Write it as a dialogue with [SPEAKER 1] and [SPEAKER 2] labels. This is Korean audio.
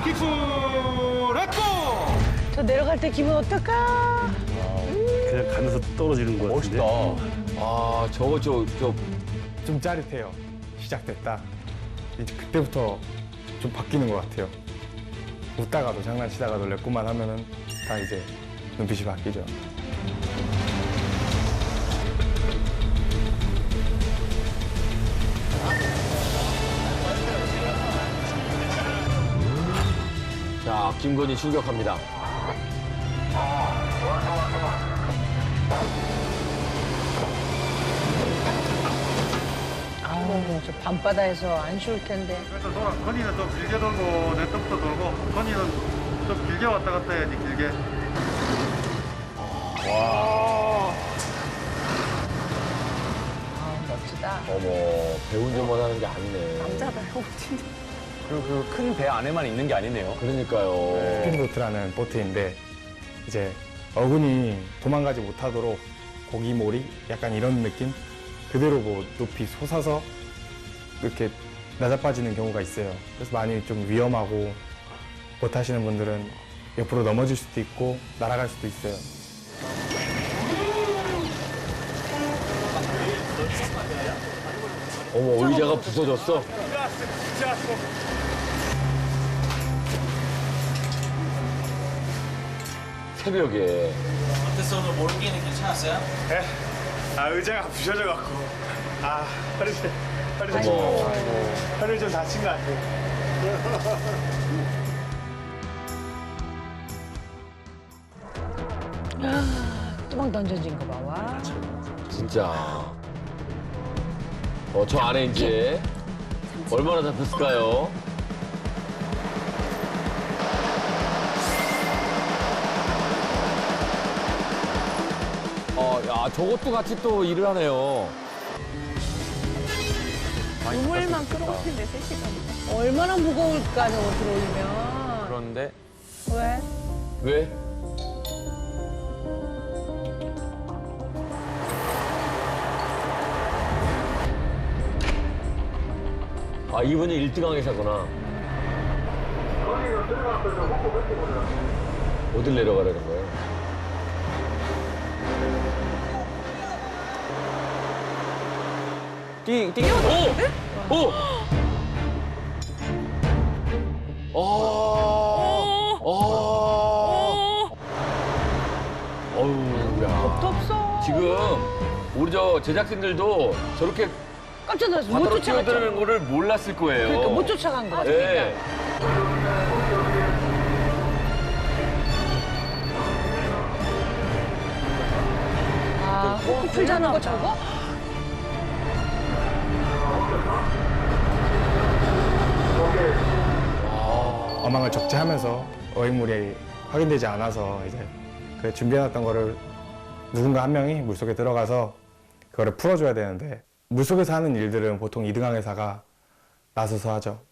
[SPEAKER 1] 킥스 렛고!
[SPEAKER 2] 저 내려갈 때 기분 어떨까?
[SPEAKER 3] 그냥 가면서 떨어지는 것 같은데.
[SPEAKER 4] 멋있다. 아, 저거
[SPEAKER 5] 좀 짜릿해요. 시작됐다. 이제 그때부터 좀 바뀌는 것 같아요. 웃다가도 장난치다가도 랩고만 하면은 다 이제 눈빛이 바뀌죠.
[SPEAKER 4] 자, 김건희 출격합니다.
[SPEAKER 2] 아우, 저 밤바다에서 안 쉬울 텐데.
[SPEAKER 1] 그래서 건이는 좀 길게 돌고 내 떡도 돌고 건이는 좀 길게 왔다 갔다 해야지 길게.
[SPEAKER 2] 아, 멋지다.
[SPEAKER 4] 어머, 배운 점만 하는 게 아니네.
[SPEAKER 6] 그리고 그 큰 배 안에만 있는 게 아니네요.
[SPEAKER 4] 그러니까요.
[SPEAKER 5] 스핀보트라는 보트인데 이제 어군이 도망가지 못하도록 고기몰이 약간 이런 느낌? 그대로 뭐 높이 솟아서 이렇게 낮아빠지는 경우가 있어요. 그래서 많이 좀 위험하고 못 하시는 분들은 옆으로 넘어질 수도 있고 날아갈 수도 있어요.
[SPEAKER 4] 어머, 의자가 부서졌어. 새벽에.
[SPEAKER 7] 어땠어? 오늘 모르기는 괜찮았어요?
[SPEAKER 1] 아 의자가 부셔져갖고
[SPEAKER 4] 어머.
[SPEAKER 1] 허리를 좀 다친 것 같아요.
[SPEAKER 2] 뚜껑 던져진 거 봐, 와.
[SPEAKER 4] 진짜. 저 안에 이제 얼마나 잡혔을까요? 야, 저것도 같이 또 일을 하네요.
[SPEAKER 8] 우물만 끌어올리는데 3시간.
[SPEAKER 2] 얼마나 무거울까, 저거 들어올리면.
[SPEAKER 6] 그런데
[SPEAKER 2] 왜?
[SPEAKER 4] 왜? 아, 이분이 1등 항해사구나. 어딜 내려가라는 거예요? 오! 오! 어우, 야.
[SPEAKER 2] 없어.
[SPEAKER 4] 지금 우리 저 제작진들도 저렇게
[SPEAKER 2] 깜짝 놀랐어. 못
[SPEAKER 4] 바다로
[SPEAKER 2] 쫓아갔죠.
[SPEAKER 4] 뛰어드는 거를 몰랐을 거예요.
[SPEAKER 2] 그러니까 못 쫓아간 거 같아.
[SPEAKER 4] 네.
[SPEAKER 2] 아, 호흡 자는 거 저거?
[SPEAKER 5] 어망을 적재하면서 어획물이 확인되지 않아서 이제 그 준비해놨던 거를 누군가 한 명이 물속에 들어가서 그거를 풀어줘야 되는데 물속에서 하는 일들은 보통 이등항해사가 나서서 하죠.